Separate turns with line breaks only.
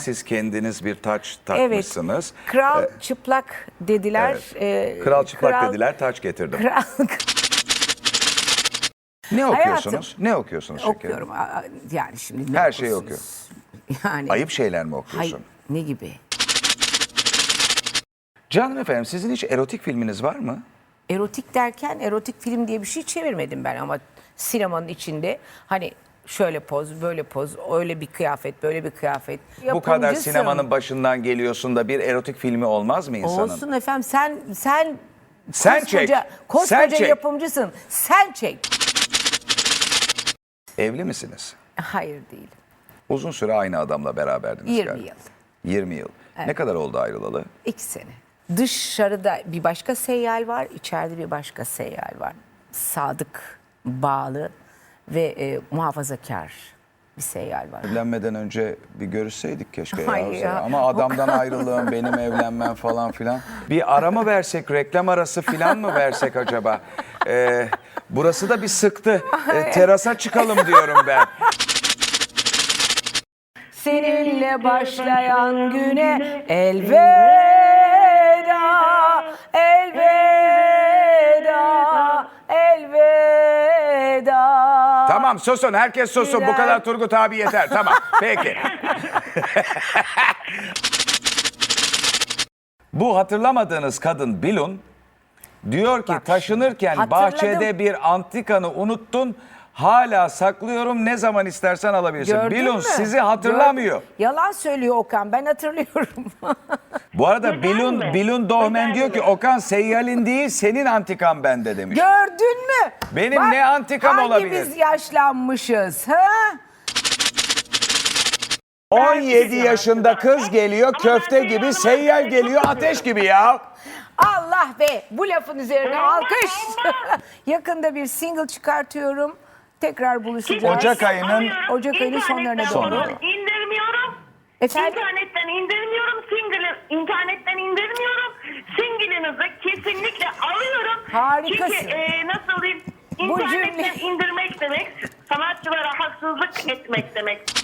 siz kendiniz bir taç
Evet.
takmışsınız.
Kral çıplak dediler.
Kral çıplak dediler, taç getirdim.
Kral
Ne okuyorsunuz?
Hayatım,
Ne okuyorsunuz şekerim?
okuyorum. Yani şimdi ne
Her şeyi
okursunuz? Yani
Ayıp şeyler mi okuyorsun?
hayır, ne gibi?
Canım efendim, sizin hiç erotik filminiz var mı?
Erotik derken erotik film diye bir şey çevirmedim ben ama sinemanın içinde hani şöyle poz, böyle poz, öyle bir kıyafet, böyle bir kıyafet.
Bu kadar
Yapımcısın.
sinemanın başından geliyorsun da bir erotik filmi olmaz mı insanın?
Olsun efendim,
Sen çek.
koskoca
Sen çek.
yapımcısın. Sen çek.
Evli misiniz?
Hayır değil.
Uzun süre aynı adamla beraberdiniz
20
galiba.
yıl.
20 yıl. Ne kadar oldu ayrılalı?
2 sene. Dışarıda bir başka seyyal var, içeride bir başka seyyal var. Sadık, bağlı ve muhafazakar bir seyyal var.
Evlenmeden önce bir görüşseydik keşke ya.
Hayır ya.
Ama adamdan ayrılığım, benim evlenmem falan filan. Bir ara mı versek, reklam arası filan mı versek acaba? Burası da bir sıktı. Terasa çıkalım diyorum ben.
Seninle başlayan güne elveda, elveda, elveda.
Tamam susun, herkes susun. Bu kadar Turgut abi yeter. Tamam, peki. Bu hatırlamadığınız kadın Bilun diyor ki
Bak,
taşınırken
hatırladım.
bahçede bir antikanı unuttun. Hala saklıyorum, ne zaman istersen alabilirsin.
Gördün
Bilun
mü?
sizi hatırlamıyor.
Yalan söylüyor Okan, ben hatırlıyorum.
Bu arada
Neden mi?
Bilun Dohmen
Neden
diyor ki
mi?
Okan seyyalin değil senin antikan bende demiş.
Gördün mü?
Benim ne antikam olabilir?
Hangimiz yaşlanmışız? Ha?
17 yaşında kız geliyor, köfte gibi, seyyal geliyor, ateş gibi ya.
Allah be, bu lafın üzerine alkış. Yakında bir single çıkartıyorum. Tekrar buluşacağız.
Ocak ayının
Ocak ayının sonlarına doğru.
Sonunda.
İndirmiyorum.
Efendim?
İnternetten indirmiyorum. İnternetten indirmiyorum. Single'ınızı kesinlikle alıyorum.
Harikasın.
Çünkü nasıl diyeyim?
Bu
İnternetten
cümle-
indirmek demek sanatçılara haksızlık etmek demek.